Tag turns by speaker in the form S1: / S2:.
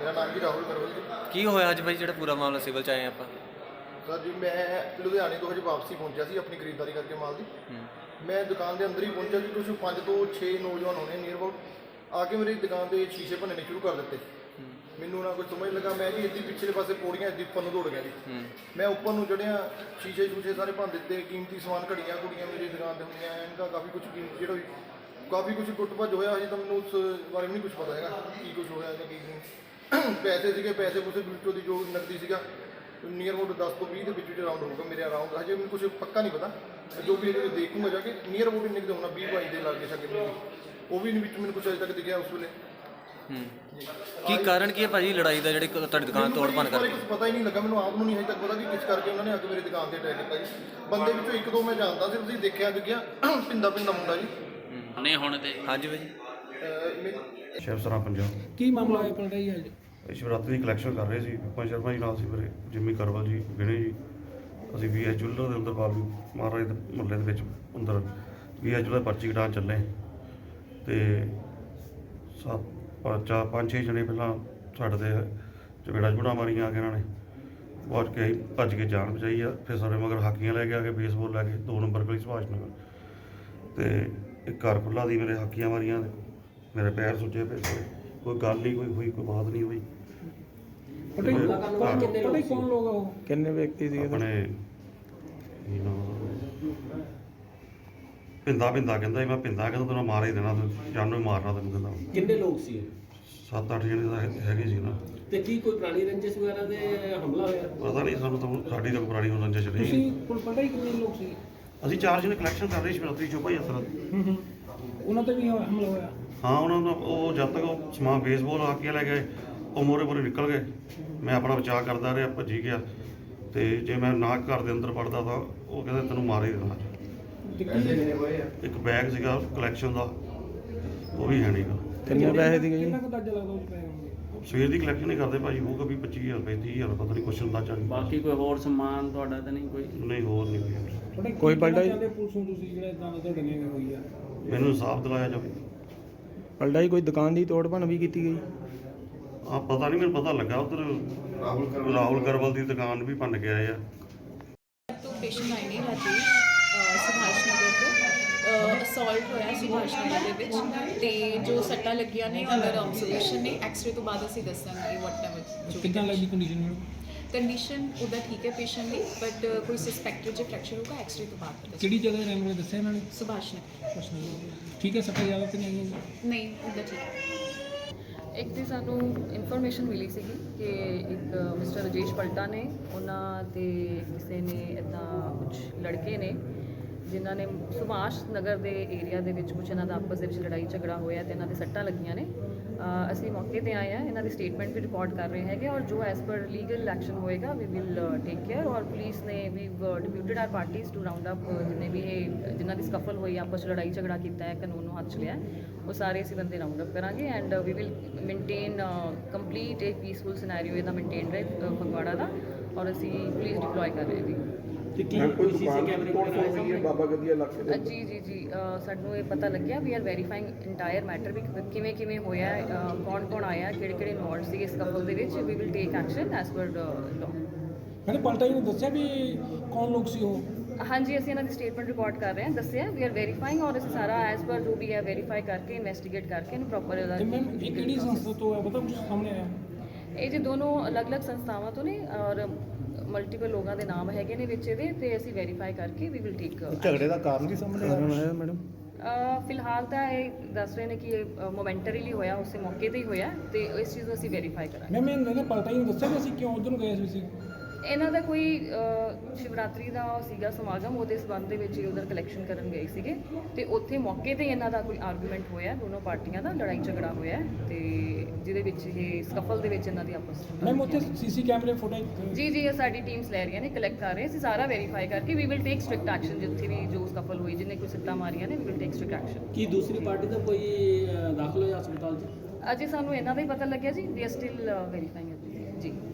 S1: ਮੇਰਾ ਨਾਮ ਜੀ ਰਾਹੁਲ ਕਰਵਲ ਜੀ।
S2: ਕੀ ਹੋਇਆ ਅੱਜ ਭਾਈ ਜਿਹੜਾ ਪੂਰਾ ਮਾਮਲਾ ਸਿਵਲ ਚ ਆਏ ਆਪਾਂ?
S1: ਸਰ ਜੀ ਮੈਂ ਲੁਧਿਆਣੇ ਤੋਂ ਹਜੇ ਵਾਪਸੀ ਪਹੁੰਚਿਆ ਸੀ ਆਪਣੀ ਖਰੀਦਦਾਰੀ ਕਰਕੇ ਮਾਲ ਦੀ। ਮੈਂ ਦੁਕਾਨ ਦੇ ਅੰਦਰ ਹੀ ਪਹੁੰਚਿਆ ਕਿ ਕੁਝ 5 ਤੋਂ 6 ਨੌਜਵਾਨ ਹੋਣੇ ਨੀਅਰ ਅਬਾਊਟ ਆ ਕੇ ਮੇਰੀ ਦੁਕਾਨ ਦੇ ਸ਼ੀਸ਼ੇ ਭੰਨਣੇ ਸ਼ੁਰੂ ਕਰ ਦਿੱਤੇ। ਮੈਨੂੰ ਨਾ ਕੁਝ ਸਮਝ ਲੱਗਾ, ਮੈਂ ਜੀ ਇੱਦੀ ਪਿਛਲੇ ਪਾਸੇ ਪੌੜੀਆਂ ਇੱਦੀ ਉੱਪਰ ਨੂੰ ਦੌੜ ਗਿਆ ਜੀ। ਮੈਂ ਉੱਪਰ ਨੂੰ ਚੜਿਆ, ਸ਼ੀਸ਼ੇ ਸਾਰੇ ਭੰਨ ਦਿੱਤੇ, ਕੀਮਤੀ ਸਮਾਨ ਘੜੀਆਂ ਕੁੜੀਆਂ ਮੇਰੀ ਦੁਕਾਨ ਤੇ ਹੁੰਦੀਆਂ, ਇਹਦਾ ਕਾਫੀ ਕੁਝ ਕੀਮਤੀ ਜਿਹੜਾ ਵੀ ਕਾਫੀ ਕੁਝ ਟੁੱਟ ਭੱਜ ਹੋਇਆ। ਹਜੇ ਤਾਂ ਮੈਨੂੰ ਉਸ ਬਾਰੇ ਵੀ ਨਹੀਂ ਕੁਝ ਪਤਾ ਹੈਗਾ ਕੀ ਕੁਝ ਹੋਇਆ ਜਾਂ ਕੀ ਨਹੀਂ। ਪੈਸੇ ਸੀਗੇ, ਪੈਸੇ ਕੁਛ ਵਿੱਚੋਂ ਦੀ ਜੋ ਨਕਦੀ ਸੀਗਾ ਨੀਅਰ ਅਬਾਊਟ 10 ਤੋਂ 20 ਦੇ ਵਿੱਚ ਰਾਊਂਡ ਹੋਊਗਾ ਮੇਰੇ ਅਰਾਊਂਡ। ਹਜੇ ਮੈਨੂੰ ਕੁਝ ਪੱਕਾ ਨਹੀਂ ਪਤਾ, ਜੋ ਵੀ ਇਹਦੇ ਦੇਖੂੰਗਾ ਜਾ ਕੇ ਨੀਅਰ ਅਬਾਊਟ ਇੰਨੇ ਕੁ ਹੋਣਾ 20-22 ਦੇ ਲਾਗੇ ਛੱਕੇ ਮੈਨੂੰ ਉਹ ਵੀ ਨਹੀਂ ਵਿੱਚ ਮੈਨੂੰ ਕੁਝ ਅਜੇ ਤੱਕ ਦਿਖਿਆ ਉਸ ਵੇਲੇ।
S2: ਕੀ ਕਾਰਨ ਕੀ ਹੈ ਭਾਜੀ ਲੜਾਈ ਦਾ, ਜਿਹੜੀ ਤੁਹਾਡੀ ਦੁਕਾਨ ਤੋੜ ਭੰਨ
S1: ਕਰਕੇ ਕੁਝ ਪਤਾ ਹੀ ਨਹੀਂ ਲੱਗਾ ਮੈਨੂੰ, ਆਪ ਨੂੰ ਨਹੀਂ ਹਜੇ ਤੱਕ ਪਤਾ ਕਿ ਕਿਸ ਕਰਕੇ ਉਹਨਾਂ ਨੇ ਆ ਕੇ ਮੇਰੀ ਦੁਕਾਨ ਤੇ ਅਟੈਕ ਕੀਤਾ ਜੀ। ਬੰਦੇ ਵਿੱਚੋਂ ਇੱਕ ਦੋ ਮੈਂ ਜਾਣਦਾ ਸੀ, ਤੁਸੀਂ ਦੇਖਿਆ ਪਿੰਦਾ ਮੁੰਡਾ ਜੀ।
S2: ਨਹੀਂ ਹੁਣ ਤੇ ਹਾਂਜੀ ਭਾਜੀ
S3: ਸ਼ਿਵ ਸਰਾਂ ਪੰਜਾਬ।
S4: ਕੀ ਮਾਮਲਾ ਹੋਇਆ ਪਲਟਾ ਜੀ ਅੱਜ?
S3: ਸ਼ਿਵਰਾਤਰੀ ਦੀ ਕਲੈਕਸ਼ਨ ਕਰ ਰਹੇ ਸੀ, ਵਿਪਨ ਸ਼ਰਮਾ ਜੀ ਨਾਲ ਸੀ, ਮੇਰੇ ਜਿੰਮੀ ਕਰਵਲ ਜੀ, ਵਿਨੇ ਜੀ। ਅਸੀਂ ਵੀ ਜੁਲਰ ਦੇ ਅੰਦਰ ਬਾਬੂ ਮਹਾਰਾਜ ਦੇ ਮੁਹੱਲੇ ਦੇ ਵਿੱਚ ਅੰਦਰ ਵੀ ਜੁਲਰ ਪਰਚੀ ਕਟਾਉਣ ਚੱਲੇ ਤੇ 5-6 ਜਣੇ ਪਹਿਲਾਂ ਸਾਡੇ ਤੇ ਚਪੇੜਾ ਚਪੂੜਾ ਮਾਰੀਆਂ ਆ ਕੇ ਇਹਨਾਂ ਨੇ। ਬਾਅਦ ਕੇ ਭੱਜ ਕੇ ਜਾਨ ਬਚਾਈ ਆ। ਫਿਰ ਸਾਡੇ ਮਗਰ ਹਾਕੀਆਂ ਲੈ ਕੇ ਆ ਕੇ ਬੇਸਬਾਲ ਲੈ ਕੇ 2 ਨੰਬਰ ਗਲੀ ਸੁਭਾਸ਼ ਨਗਰ ਤੇ ਇੱਕ ਘਰ ਖੁੱਲ੍ਹਾ ਦੀ ਮੇਰੇ ਹਾਕੀਆਂ ਮਾਰੀਆਂ, ਮੇਰੇ ਪੈਰ ਸੁੱਜੇ ਪਏ ਸੀ। ਕੋਈ ਗੱਲ ਨਹੀਂ ਕੋਈ ਹੋਈ, ਕੋਈ ਬਾਤ ਨਹੀਂ ਹੋਈ।
S4: ਕੌਣ ਲੋਕ ਆ ਉਹ? ਕਿੰਨੇ ਵਿਅਕਤੀ ਸੀ?
S3: ਆਪਣੇ ਪਿੰਦਾ ਕਹਿੰਦਾ ਮੈਂ ਪਿੰਦਾ ਕਹਿੰਦਾ ਤੈਨੂੰ ਮਾਰ ਹੀ ਦੇਣਾ, ਜਾਨੋਂ ਹੀ ਮਾਰਨਾ ਤੈਨੂੰ ਕਹਿੰਦਾ।
S5: ਕਿੰਨੇ ਲੋਕ ਸੀ?
S3: 7-8 ਜਣੇ ਤਾਂ ਹੈਗੇ ਸੀ ਨਾ।
S5: ਤੇ ਕੀ ਕੋਈ ਪੁਰਾਣੀ ਰੰਜਿਸ਼ ਵਗੈਰਾ ਦੇ ਹਮਲਾ ਹੋਇਆ?
S3: ਪਤਾ ਨਹੀਂ ਸਾਨੂੰ ਤਾਂ, ਸਾਡੀ ਤਾਂ ਪੁਰਾਣੀ ਰੰਜਿਸ਼ ਰਹੀ।
S4: ਤੁਸੀਂ ਪਲਟਾ ਹੀ ਕਿੰਨੇ ਲੋਕ ਸੀ?
S3: ਅਸੀਂ 4 ਜਣੇ ਕਲੈਕਸ਼ਨ ਕਰ ਰਹੇ ਸੀ ਸ਼ਿਵਰਾਤਰੀ ਚੋਪਾ ਯਾਤਰਾ ਦੀ।
S4: ਉਹਨਾਂ ਤੇ ਵੀ ਹਮਲਾ ਹੋਇਆ?
S3: ਹਾਂ, ਉਹਨਾਂ ਦਾ ਉਹ ਜਦ ਤੱਕ ਉਹ ਸਮਾਨ ਬੇਸਬਾਲ ਆ ਕੇ ਲੈ ਗਏ, ਉਹ ਮੋਰੇ ਨਿਕਲ ਗਏ। ਮੈਂ ਆਪਣਾ ਬਚਾਅ ਕਰਦਾ ਰਿਹਾ, ਭੱਜੀ ਗਿਆ। ਤੇ ਜੇ ਮੈਂ ਨਾ ਘਰ ਦੇ ਅੰਦਰ ਵੜਦਾ ਤਾਂ ਉਹ ਕਹਿੰਦੇ ਤੈਨੂੰ ਮਾਰ ਹੀ ਦੇਣਾ। ਇੱਕ ਬੈਗ ਸੀਗਾ ਕਲੈਕਸ਼ਨ ਦਾ, ਉਹ ਵੀ ਹੈ ਨਹੀਂਗਾ।
S4: ਕਿੰਨੇ ਪੈਸੇ ਸੀਗੇ ਜੀ? ਕਿੰਨਾ ਕੁ ਅੰਦਾਜ਼ਾ ਲੱਗਦਾ ਉਹ ਪੈ ਹੋਣਗੇ?
S3: ਸਵੇਰ ਦੀ ਕਲੈਕਸ਼ਨ ਹੀ ਕਰਦੇ ਭਾਜੀ, ਹੋਊਗਾ ਵੀ 25,000 ਰੁਪਏ 30,000 ਪਤਾ ਨਹੀਂ ਕੁਛ ਅੰਦਾਜ਼ਾ ਨਹੀਂ।
S5: ਬਾਕੀ ਕੋਈ ਹੋਰ ਸਮਾਨ ਤੁਹਾਡਾ ਤਾਂ ਨਹੀਂ ਕੋਈ?
S3: ਨਹੀਂ ਹੋਰ ਨਹੀਂ
S4: ਕੋਈ ਪਲਟਾ ਹੀ ਪੁਲਿਸ ਨੂੰ ਤੁਸੀਂ ਜਿਹੜਾ ਇਦਾਂ ਦਾ ਤੁਹਾਡੇ ਨਾਲ ਹੋਈ ਆ?
S3: ਮੈਨੂੰ ਇਨਸਾਫ ਦਿਲਾਇਆ ਜਾਵੇ।
S4: ਪਲਟਾ ਹੀ ਕੋਈ ਦੁਕਾਨ ਦੀ ਤੋੜ ਭੰਨ ਵੀ ਕੀਤੀ ਗਈ?
S3: ਪਤਾ ਨਹੀਂ, ਮੈਨੂੰ ਪਤਾ ਲੱਗਾ ਉਧਰ ਰਾਹੁਲ ਕਰਵਲ ਦੀ ਦੁਕਾਨ ਵੀ ਭੰਨ ਕੇ ਆਏ ਆ।
S6: तो पेशेंट आए ने राती सुभाष नगर तो असॉल्ट होया सुभाष नगर ਦੇ ਵਿੱਚ ਤੇ ਜੋ ਸੱਟਾਂ ਲੱਗੀਆਂ ਨੇ ਅੰਡਰ ਆਬਜ਼ਰਵੇਸ਼ਨ ਨੇ। ਐਕਸ-ਰੇ ਤੋਂ ਬਾਅਦ ਅਸੀਂ ਦੱਸਾਂਗੇ ਵਾਟਐਵਰ।
S4: ਕਿੰਨਾ ਲੱਗੀ ਕੰਡੀਸ਼ਨ?
S6: ਕੰਡੀਸ਼ਨ ਉਹਦਾ ਠੀਕ ਹੈ ਪੇਸ਼ੈਂਟ ਦੀ, ਬਟ ਕੋਈ ਸਸਪੈਕਟਡ ਜੇ ਫ੍ਰੈਕਚਰ ਹੋਗਾ ਐਕਸ-ਰੇ ਤੋਂ ਬਾਅਦ ਪਤਾ
S4: ਕਿਹੜੀ ਜਗ੍ਹਾ ਰਹਿਣ ਵਾਲੇ ਦੱਸਿਆ ਇਹਨਾਂ ਨੇ?
S6: ਸੁਭਾਸ਼ ਨਗਰ।
S4: ਠੀਕ ਹੈ, ਸੱਟਾਂ ਜ਼ਿਆਦਾ ਤਾਂ ਨਹੀਂ ਆਈਆਂ?
S6: ਨਹੀਂ ਉਹਦਾ ਠੀਕ ਹੈ।
S7: ਇੱਕ ਦੀ ਸਾਨੂੰ ਇਨਫੋਰਮੇਸ਼ਨ ਮਿਲੀ ਸੀਗੀ ਕਿ ਇੱਕ ਮਿਸਟਰ ਰਜੇਸ਼ ਪਲਟਾ ਨੇ, ਉਹਨਾਂ ਤੇ ਕਿਸੇ ਨੇ ਇੱਦਾਂ ਕੁਝ ਲੜਕੇ ਨੇ ਜਿਨ੍ਹਾਂ ਨੇ ਸੁਭਾਸ਼ ਨਗਰ ਦੇ ਏਰੀਆ ਦੇ ਵਿੱਚ ਕੁਝ ਇਹਨਾਂ ਦਾ ਆਪਸ ਦੇ ਵਿੱਚ ਲੜਾਈ ਝਗੜਾ ਹੋਇਆ ਤੇ ਇਹਨਾਂ ਦੇ ਸੱਟਾਂ ਲੱਗੀਆਂ ਨੇ। ਅਸੀਂ ਮੌਕੇ ਤੇ ਆਏ ਹਾਂ, ਇਹਨਾਂ ਦੀ ਸਟੇਟਮੈਂਟ ਵੀ ਰਿਕਾਰਡ ਕਰ ਰਹੇ ਹੈਗੇ ਔਰ ਜੋ ਐਜ਼ ਪਰ ਲੀਗਲ ਐਕਸ਼ਨ ਹੋਏਗਾ ਵੀ ਵਿਲ ਟੇਕ ਕੇਅਰ। ਔਰ ਪੁਲਿਸ ਨੇ ਵੀ deputed our parties to round up ਜਿੰਨੇ ਵੀ ਇਹ ਜਿਨ੍ਹਾਂ ਦੀ ਸਕਫਲ ਹੋਈ ਆਪਸ 'ਚ ਲੜਾਈ ਝਗੜਾ ਕੀਤਾ ਹੈ, ਕਾਨੂੰਨ ਨੂੰ ਹੱਥ 'ਚ ਲਿਆ, ਉਹ ਸਾਰੇ ਅਸੀਂ ਬੰਦੇ ਰਾਉਂਡ ਅਪ ਕਰਾਂਗੇ and we will maintain complete ਇੱਕ ਪੀਸਫੁਲ ਸਿਨੈਰੀਓ ਇਹਦਾ ਮੇਨਟੇਨ ਰਹੇ ਫਗਵਾੜਾ ਦਾ। ਔਰ ਅਸੀਂ ਪੁਲਿਸ ਡਿਪਲੋਏ ਕਰ ਰਹੇ ਹਾਂ।
S5: ਤੇ ਕੀ ਕੋਈ ਸੀਸੀ ਕੈਮਰੇ ਵਗੈਰਾ ਆਏ ਸਾਹਮਣੇ?
S4: ਬਾਬਾ ਗਦੀਆ ਇਲਾਕੇ
S7: ਜੀ ਸਾਨੂੰ ਇਹ ਪਤਾ ਲੱਗਿਆ we are verifying entire matter ਵੀ ਕਿਵੇਂ ਹੋਇਆ, ਕੌਣ ਆਇਆ, ਕਿਹੜੇ ਇਨਵੋਲਵਡ ਸੀ ਇਸ ਕਪਲ ਦੇ ਵਿੱਚ। We will take action as per law.
S4: ਮੈਨੇ ਪਲਟਾ ਹੀ ਨੇ ਦੱਸਿਆ ਵੀ ਕੌਣ ਲੋਕ ਸੀ ਉਹ?
S7: ਹਾਂਜੀ, ਅਸੀਂ ਇਹਨਾਂ ਦੀ ਸਟੇਟਮੈਂਟ ਰਿਕਾਰਡ ਕਰ ਰਹੇ ਹਾਂ, ਦੱਸਿਆ ਵੀ ਆਰ ਵੈਰੀਫਾਈਂਗ ਔਰ ਅਸੀਂ ਸਾਰਾ ਐਜ਼ ਪਰ ਜੋ ਵੀ ਹੈ ਵੈਰੀਫਾਈ ਕਰਕੇ ਇਨਵੈਸਟੀਗੇਟ ਕਰਕੇ ਇਹਨੂੰ ਪ੍ਰੋਪਰ
S4: ਤੇ ਮੈਮ ਇਹ ਕਿਹੜੀ ਸੰਸਥਾ ਤੋਂ ਹੈ ਪਤਾ ਕੁਝ ਸਾਹਮਣੇ ਆਇਆ?
S7: ਇਹ ਜੀ ਦੋਨੋਂ ਅਲੱਗ-ਅਲੱਗ ਸੰਸਥਾਵਾਂ ਤੋਂ ਨੇ ਔਰ ਮਲਟੀਪਲ ਲੋਕਾਂ ਦੇ ਨਾਮ ਹੈਗੇ ਨੇ ਵਿੱਚ ਇਹਦੇ ਤੇ ਅਸੀਂ ਵੈਰੀਫਾਈ ਕਰਕੇ ਵੀ ਵਿਲ ਟੇਕ।
S4: ਝਗੜੇ ਦਾ ਕਾਰਨ ਕੀ ਸਾਹਮਣੇ ਆਇਆ ਮੈਡਮ?
S7: ਫਿਲਹਾਲ ਤਾਂ ਇਹ ਦੱਸ ਰਹੇ ਨੇ ਕਿ ਇਹ ਮੋਮੈਂਟਰੀਲੀ ਹੋਇਆ, ਉਸੇ ਮੌਕੇ ਤੇ ਹੀ ਹੋਇਆ ਤੇ ਇਸ ਚੀਜ਼ ਨੂੰ ਅਸੀਂ ਵੈਰੀਫਾਈ ਕਰਾਂਗੇ।
S4: ਮੈਮ ਇਹਨਾਂ ਨੇ ਪਲਟਾ ਹੀ ਦੱਸਿਆ ਵੀ ਅਸੀਂ ਕਿਉਂ ਉਧਰ ਨੂੰ ਗਏ ਸੀ?
S7: ਇਹਨਾਂ ਦਾ ਕੋਈ ਸ਼ਿਵਰਾਤਰੀ ਦਾ ਸੀਗਾ ਸਮਾਗਮ, ਉਹਦੇ ਸਬੰਧ ਦੇ ਵਿੱਚ ਉਧਰ ਕਲੈਕਸ਼ਨ ਕਰਨ ਗਏ ਸੀਗੇ ਤੇ ਉੱਥੇ ਮੌਕੇ ਤੇ ਇਹਨਾਂ ਦਾ ਕੋਈ ਆਰਗੂਮੈਂਟ ਹੋਇਆ, ਦੋਨੋਂ ਪਾਰਟੀਆਂ ਦਾ ਲੜਾਈ ਝਗੜਾ ਹੋਇਆ ਤੇ ਜਿਹਦੇ ਵਿੱਚ ਇਹ ਸਕਫਲ ਦੇ ਵਿੱਚ ਇਹਨਾਂ ਦੀ ਆਪਸ
S4: ਮੈਮ ਉੱਥੇ ਸੀਸੀ ਕੈਮਰੇ ਫੁਟੇਜ?
S7: ਜੀ ਇਹ ਸਾਡੀ ਟੀਮਸ ਲੈ ਰਹੀਆਂ ਨੇ, ਕਲੈਕਟ ਕਰ ਰਹੇ ਅਸੀਂ ਸਾਰਾ ਵੈਰੀਫਾਈ ਕਰਕੇ we will take strict action. ਜਿੱਥੇ ਵੀ ਜੋ ਸਕਫਲ ਹੋਈ, ਜਿਹਨੇ ਕੋਈ ਸੱਟਾਂ ਮਾਰੀਆਂ ਨੇ, we will take strict action.
S5: ਕੀ ਦੂਸਰੀ ਪਾਰਟੀ ਦਾ ਕੋਈ ਦਾਖਲ ਹੋਇਆ ਹਸਪਤਾਲ 'ਚ?
S7: ਅਜੇ ਸਾਨੂੰ ਇਹਨਾਂ ਦਾ ਹੀ ਪਤਾ ਲੱਗਿਆ ਜੀ, ਵੀ ਆਰ ਸਟਿਲ ਵੈਰੀਫਾਈਂਗ ਜੀ।